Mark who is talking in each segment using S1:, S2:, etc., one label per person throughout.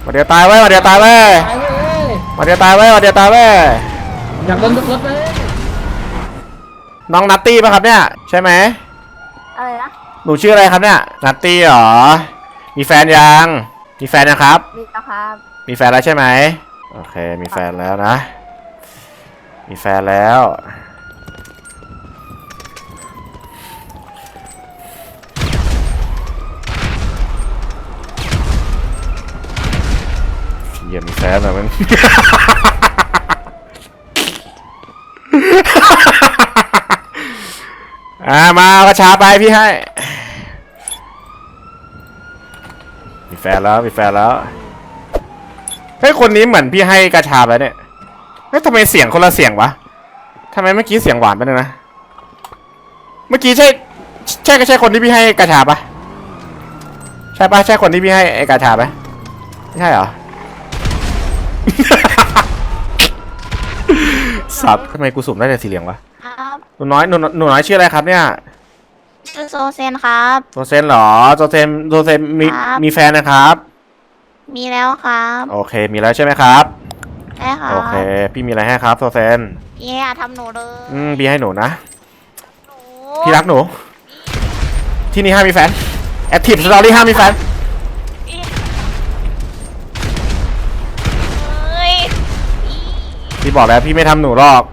S1: มาเดียวตายไว้มาเดียวตายไว้มาเดียวตายไว้มาเดียวตายไว้
S2: อยากโดนรถไหม
S1: น้องนัตตี้ป่ะครับเนี่ยใช่ไหม
S3: อะไรนะ
S1: หนูชื่ออะไรครับเนี่ยนัตตี้หรอมีแฟนยังมีแฟนนะครับ
S3: มีแล้วครับ
S1: มีแฟนแล้วใช่ไหมโอเคมีแฟนแล้วนะมีแฟนแล้วเยี่ยมมีแฟนแล้วมันมากระชาไปพี่ให้มีแฟนแล้วมีแฟนแล้วเฮ้ยคนนี้เหมือนพี่ให้กระชาไปเนี่ยเฮ้ยทำไมเสียงคนละเสียงวะทำไมเมื่อกี้เสียงหวานไปเลยนะเมื่อกี้ใช่คนที่พี่ให้กระชาปะใช่ปะใช่คนที่พี่ให้กระชาปะไม่ใช่เหรอ สับทำไมกูสุ่มได้แต่สีเหลืองวะ
S3: ครับ
S1: หนูน้อยชื่ออะไรครับเนี่ย
S3: ชื่อโซเซนครับ
S1: โซเซนเหรอโซเซนมีแฟนนะครับ
S3: มีแล้วครับ
S1: โอเคมีแล้วใช่ไหมครับ
S3: ใช่ครับ
S1: โอเคพี่มีอะไรให้ครับโซเซน
S3: พี่อย่าทำหนูเลย
S1: พี่ให้หนูนะ
S3: หนู
S1: พี่รักหนูที่นี่ห้ามมีแฟนแอคทีฟสตอรี่ห้ามมีแฟนพี่บอกแล้วพี่ไม่ทำหนูหรอก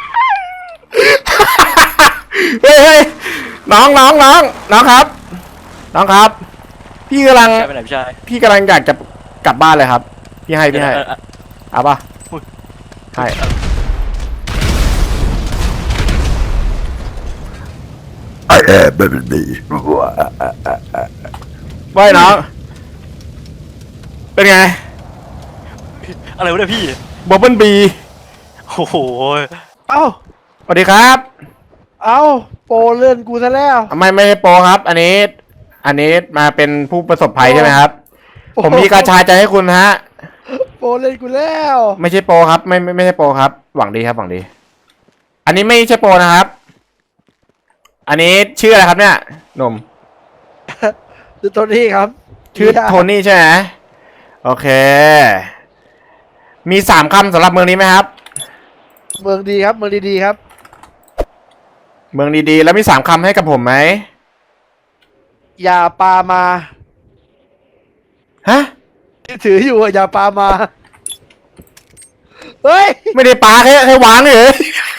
S1: เฮ้ยน้องครับน้องครับพี่กำลังอยากจะกลับบ้านเลยครับพี่ให้เอาป่ะให้แบบนี้ว่ายน้องเป็นไง
S4: อะไรวะเนี่ยพี่
S1: บับเบิ้ลบี
S4: โอ้โห
S2: เอ้า
S1: สวัสดีครับ
S2: เอ้าโปรเลื่อนกูซะแล้ว
S1: ไม่ใช่โปรครับอันนี้มาเป็นผู้ประสบภัยใช่ไหมครับผมมีกระชายใจให้คุณฮะ
S2: โปรเล่นกูแล้ว
S1: ไม่ใช่โปรครับไม่ใช่โปรครับหวังดีครับหวังดีอันนี้ไม่ใช่โปรนะครับอันนี้ชื่ออะไรครับเนี่ยหนุ่ม
S2: ชื่อโทนี่ครับ
S1: ชื่อโทนี่ใช่ไหมโอเคมี3 คำสำหรับเมืองนี้ไหมครับ
S2: เมืองดีครับเมืองดีๆครับ
S1: เมืองดีๆแล้วมี3 คำให้กับผมไหม
S2: อย่าปามา
S1: ฮะ
S2: ที่ถืออยู่อย่าปามาเฮ้ย
S1: ไม่ได้ปาแค่วางเลย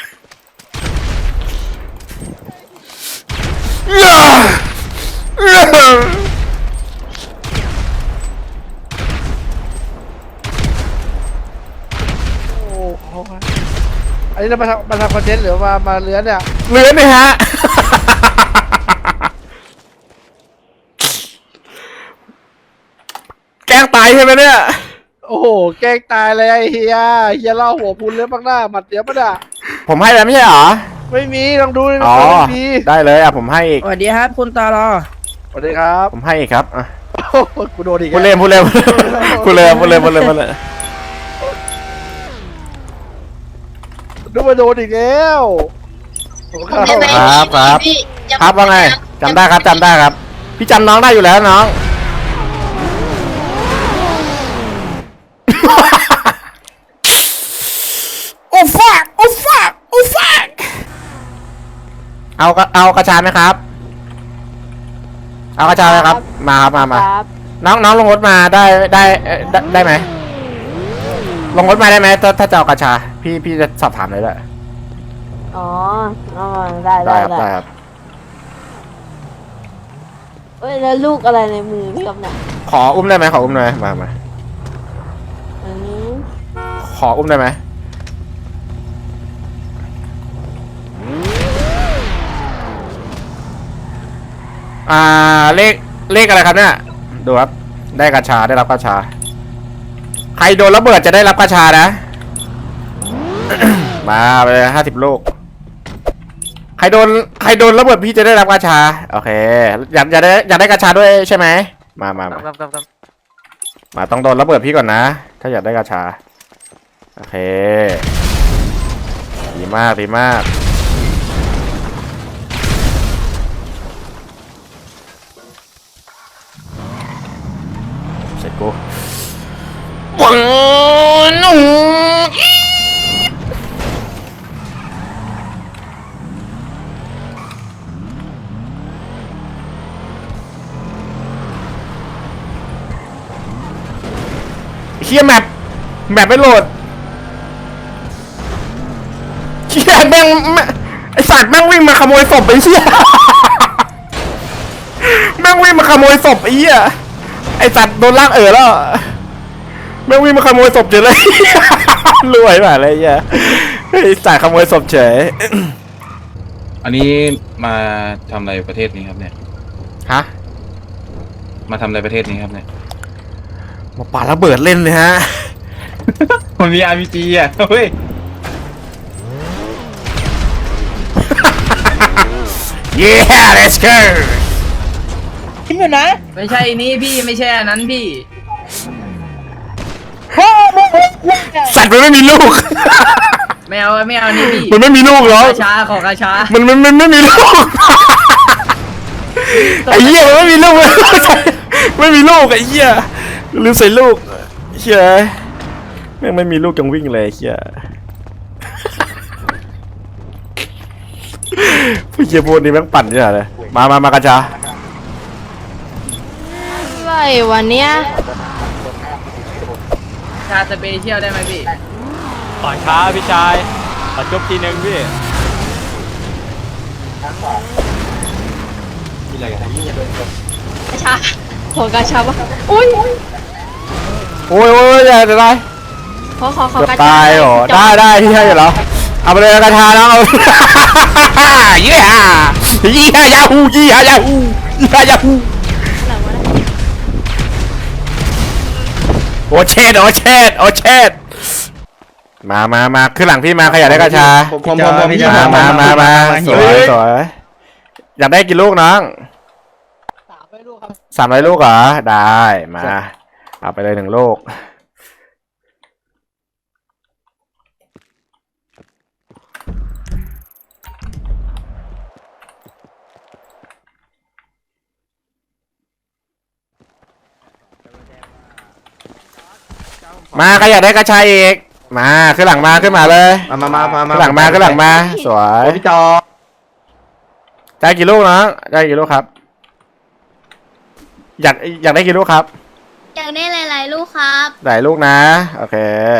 S2: อันนี้เรามาทำคอนเทนต์หรือมาเลื้อนเนี่ย
S1: เลื้อนเลยฮะแกล้งตายใช่ไหมเนี่ย
S2: โอ้โหแกล้งตายเลยไอ้เฮียเล่าหัวพุนเลื้อนบ้างหน้าหมัดเดียวปะเนี่ย
S1: ผมให้แล้วไม่ใช่เหรอ
S2: ไม่มีลองดูเลย
S1: ไม่มีได้เลยผมให้อีก
S5: สวัสดีครับคุณตาลอ
S2: สวัสดีครับ
S1: ผมให้อีกครับ
S2: กูโดนอีก
S1: พูดเล่นพูดเลย
S2: ดูมาโดนอีกแล้ว
S1: ครับว่าไงจำได้ครับพี่จำน้องได้อยู่แล้วน้องโอ้ฟักเอากระชาไหมครับเอากระชาไหมครับมาน้องลงรถมาได้ไหมลงรถมาได้ไหมถ้าจะเอากระชาพี่จะสอบถามเลยแหละ
S3: อ๋อได้
S1: ครับ
S3: เอ้ยแล้วลูกอะไรในมือพี่กับเนี่ย
S1: ขออุ้มได้ไหมมาขออุ้มได้ไหมเลขอะไรครับเนี่ยดูครับได้กระชาได้รับกระชาใครโดนระเบิดจะได้รับกระชานะ มาไปเลย50 ลูกใครโดนระเบิดพี่จะได้รับกระชาโอเคอยากได้กระชาด้วยใช่ไหมมาต้องโดนระเบิดพี่ก่อนนะถ้าอยากได้กระชาโอเคดีมากเสร็จกูปังนุ่งเฮียแมปไม่โหลดเฮียแม่งไอสัตว์แม่งวิ่งมาขโมยศพไอ้เฮียแม่งวิ่งมาขโมยศพไอ้เหี้ยไอสัตว์โดนลากแล้วแม่งวิ่งมาขโมยศพเฉยเลย รวยมากเลยไอ้เหี้ยไอสัตว์ขโมยศพเฉย
S5: อันนี้มาทำอะไรประเทศนี้ครับเนี่ย
S1: ฮะ
S5: มาทำอะไรประเทศนี้ครับเนี่ย
S1: มาปาระเบิดเล่นเลยฮะ
S5: มันมี RPG อ่ะเฮ้ย
S1: yeah let's go
S6: ไม่ใช่นี่พี่ไม่ใช่อันนั้นพี่
S1: สัตว์มันไม่มีลูก
S6: ไม่เอานี่พี่
S1: มันไม่มีลูกหรอก
S6: กระชาขอกระชา
S1: มันไม่มีลูก ไอ้เหี้ยมันไม่มีลูก ไม่มีลูกไอ้เหี้ยลืมใส่ลูกเหี้ยแม่งไม่มีลูกจังวิ่งเลยไอ้เหี้ยผู้เหี้ยพวกนี้แม่งปั่นเนี่ยเลยมากระจา
S3: อะไรวันเนี้ย
S6: ชาสเปเชียลได้ไหมพี่
S7: ต่อยช้าพี่ชายตัดจบทีหนึ่งพี่
S3: กระชาขอกระชาปะอุ้ย
S1: โอ้ยอย่าจะได้
S3: ขอก
S1: เกือบ
S3: ระชา
S1: ตายเหรอได้ที่ให้เหรอเอาไปเลยกระทาแล้วเอา เยี่ยยาฮูยี่ยาฮูโอเชดมาขึ้นหลังพี่มาใครอยากได้กระชา
S5: ผม
S1: มาสวยอยากได้กี่ลูกน้อง300 ลูกเหรอได้มาเอาไปเลย1 ลูกมาใครอยากได้กระชายอีกมาขึ้นหลังมาขึ้นมาเลย
S5: มา
S1: ขึ้นหลังมาสวย
S5: พี่จอ
S1: ได้กี่ลูกน้องได้กี่ลูกครับ อยากได้กี่ลูกครับ
S3: อยากได้หลายๆลูกครับ
S1: หลายลูกนะโอเค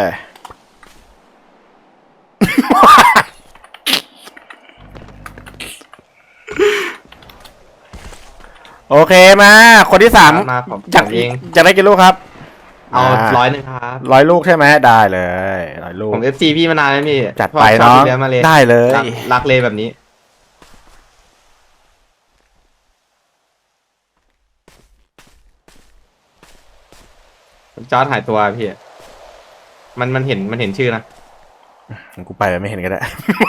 S1: โอเคมาคนที่3
S5: มาผม
S1: อยากได้กี่ลูกครับ
S5: เอา100ครับ
S1: 100 ลูกใช่ไหมได้เลย100 ลูก
S5: ผม FC พี่มานานแล้วพี่
S1: จัดไปเนาะ
S5: ชอบพี่ลี้ยงมาเลย
S1: ได้เลย
S5: รักเลยแบบนี้จอร์ดหายตัวพี่มันเห็นชื่อนะ
S1: กูไปไม่เห็นก็ได้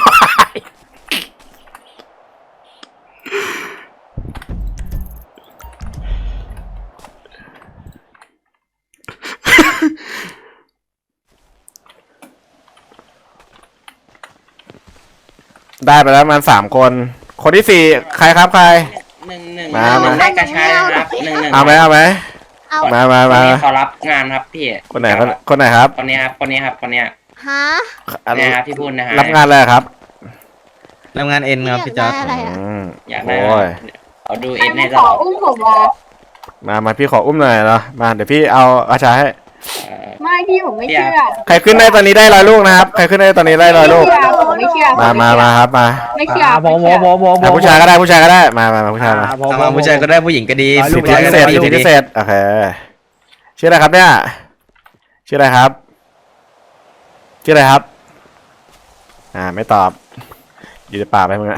S1: ได้ไปแล้วมัน3 คนที่4ใครครับใคร
S8: 1
S1: มา
S8: ได้กระชายนะครับ1
S1: เอาไหม
S3: เอา
S1: มา
S8: คนนี้เขารับงานครับพี่
S1: คนไหนครับ
S8: คนนี้ครับคนนี้
S3: ฮะ
S8: เนี่ยครับที่พูดนะฮะ
S1: รับงานอะไรครับ
S5: รับงานเอ็นครับพี่จอร์ด
S3: ยากได้อะไรอะ
S8: อยากได้
S1: โอ้ย
S8: เอาดูเอ็นให้ตลอด
S1: มาพี่ขออุ้มหน่อยเนาะมาเดี๋ยวพี่เอาอาชาให้
S9: ไม่พี่ผมไม่เชื่อ
S1: ใครขึ้นได้ตอนนี้ได้100 ลูกนะครับใครขึ้นได้ตอนนี้ได้100 ลูก
S9: ผมไม่เชื่อ
S1: มาครับมา
S9: ไม่เชื่อ
S1: อ่ะผู้ชายก็ได้มาผู้ชายมา
S5: มาผู้ชายก็ได้ผู้หญิงก็ดี
S1: สิทธิพิเศษโอเคชื่ออะไรครับเนี่ยชื่ออะไรครับไม่ตอบอยู่ในป่าไปมึงอะ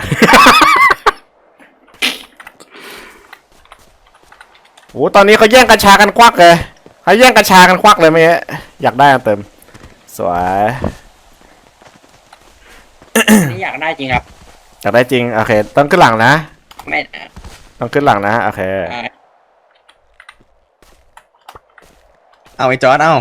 S1: โอ้ตอนนี้เขาแย่งกัญชากันควักเลยเมื่อกี้อยากได้อันเติมสวย
S8: นี่อยากได้จริงครับ
S1: อยากได้จริงโอเคต้องขึ้นหลังนะ
S8: ไม่
S1: ต้องขึ้นหลังนะโอเค
S5: เอาไอ้จอร์ดเอา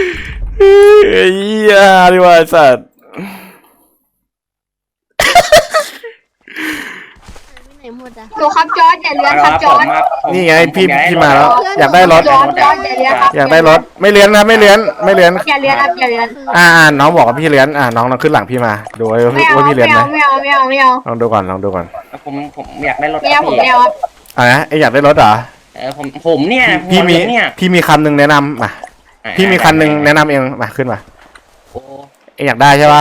S1: เฮียดีว่าสัตว์
S3: หมดอะ
S9: หนูครับจอร์ดอย่าเลื้อนครับจอร์ด
S1: นี่ไงพี่มาแล้ว อยากได้รถ
S9: จอร์ดอย่าเลื้อนครับ
S1: อยากได้รถไม่เลี้ยนนะไม่เลี้ยน
S9: อย่าเลื้อนครับอย่าเลื้อน
S1: น้องบอกว่าพี่เลี้ยนน้องขึ้นหลังพี่มาดูว่า
S9: ไม่เอา
S1: พี่เลี้ยนไหม
S9: ไม่เอา
S1: ลองดูก่อน
S8: ผมอยากได้รถ
S9: ไม่
S8: ครั
S9: เอา
S8: บ
S9: ผม
S8: พี่
S9: ไม่เอาครับ
S1: นะไออยากได้รถเหรอ
S8: ผมเนี่ย
S1: พี่มี
S8: เนี่ย
S1: พี่มีคำหนึ่งแนะนำมาพี่มีคันหนึ่งแนะนำเองมาขึ้นมา
S8: โอ้
S1: ไออยากได้ใช่ปะ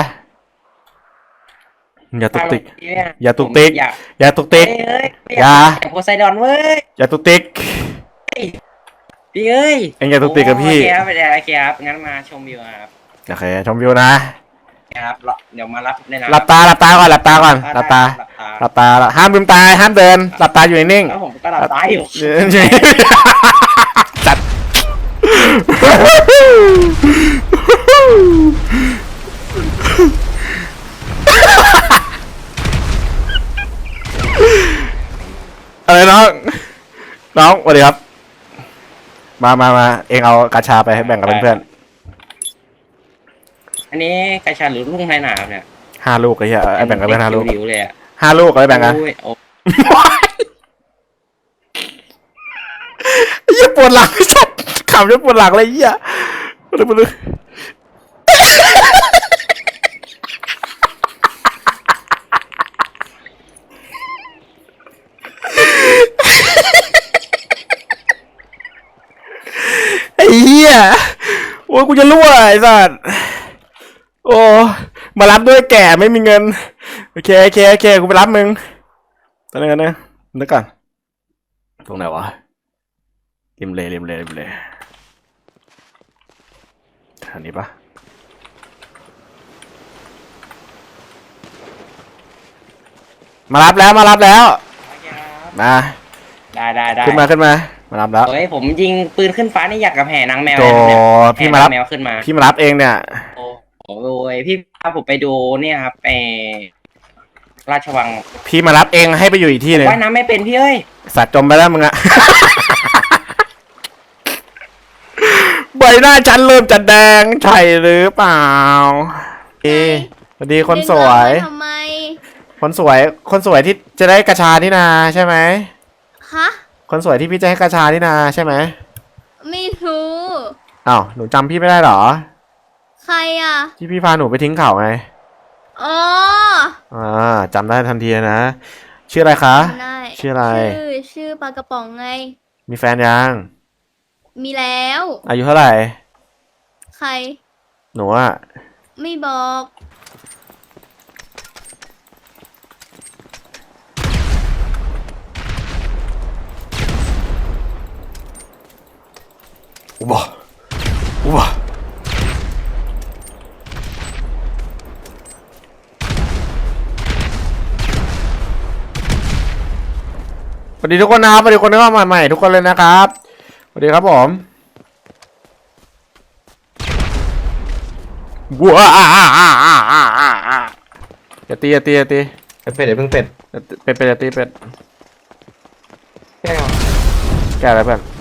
S1: อย่าตุกติก อย่าตุกติก
S8: อยาก
S1: อย่าตุกติก
S8: เอ้ย
S1: อย่า
S8: โพไซดอนเว้ย
S1: อย่าตุกติก
S8: พี่เอ้ย
S1: เอ็งอย่าตุกติกกับพี่
S8: โอเคครับโอเคครับงั้นมาชมวิวครับ
S1: โอเคชมวิวนะ
S8: ครับเดี๋ยวมารับในร้าน
S1: หลับตาก่อนหลับตาห้ามลืมตาห้ามเดินหลับตาอยู่นิ่ง
S8: แล้วผมก็หลับตาอยู่
S1: จัดอะไรน้องสวัสดีครับมาเองเอากาชาไปให้แบ่งกับเพื่อน
S8: อันนี้กระชาหรือลุงในหนามเนี่ย
S1: ๆ5 ลูกไอ้เหี้ยไอ้แบ่งกับเพื่อน5 ลูก
S8: หิวเลยอ่ะ
S1: 5 ลูกเอาไปแบ่งกัน
S8: โอ้ยโอ้
S1: ไอ้เหี้ยปวดหลังไอ้สัสขำจนปวดหลังเลยไอ้เหี้ยมาดูไอ้เหี้ยโอ้ยกูจะรั่วไอ้สัสโอ้มารับด้วยแก่ไม่มีเงินโอเคกูไปรับมึงตอนนี้กันนะนึกก่อนตรงไหนวะริมเลยอันนี้ปะมารับแล้วมา
S8: ได้
S1: ขึ้นมามารับแล้ว
S8: เฮ้ยผมยิงปืนขึ้นฟ้านี่อยากกับแห่นางแมว
S1: โจ
S8: เนี่ย
S1: พี่มารับ
S8: แห่นงแมวขึ้นมา
S1: พี่มารับเองเนี่ย
S8: โอ้ยพี่พาผมไปดูเนี่ยครับราชวัง
S1: พี่มารับเองให้ไปอยู่อีกที่หนึง
S8: ว่ายน้ำไม่เป็นพี่เอ้ย
S1: สัตว์จมไปแล้วมึงอะ ใบหน้าฉันเริ่มจะแดงใช่หรือเปล่าสวัสดีคนสวย
S3: ทำไม
S1: คนสวยที่จะได้กระชานี่นาใช่ไหม
S3: ฮะ
S1: คนสวยที่พี่จะให้กระชานี่นาใช่ไหม
S3: ไม่รู้
S1: อ้าวหนูจำพี่ไม่ได้เหรอ
S3: ใครอ่ะ
S1: ที่พี่พาหนูไปทิ้งเขาไง
S3: อ๋อ
S1: จำได้ทันทีเลยนะชื่ออะไรคะ
S3: จำได้
S1: ชื่ออะไร
S3: ชื่อปลากระป๋องไง
S1: มีแฟนยัง
S3: มีแล้ว
S1: อายุเท่าไหร่
S3: ใคร
S1: หนูอะ
S3: ไม่บอก
S1: อุบะสวัสดีทุกคนนะครับสวัสดีคนที่เข้ามาใหม่ทุกคนเลยนะครับสวัสดีครับผมว้าอย่าตี
S5: เป็ดเดี๋ยวเพิ่งเป็ด
S1: เป็ดอย่าตีเป็ด
S5: แก้ว
S1: แกอะไรเพื่อน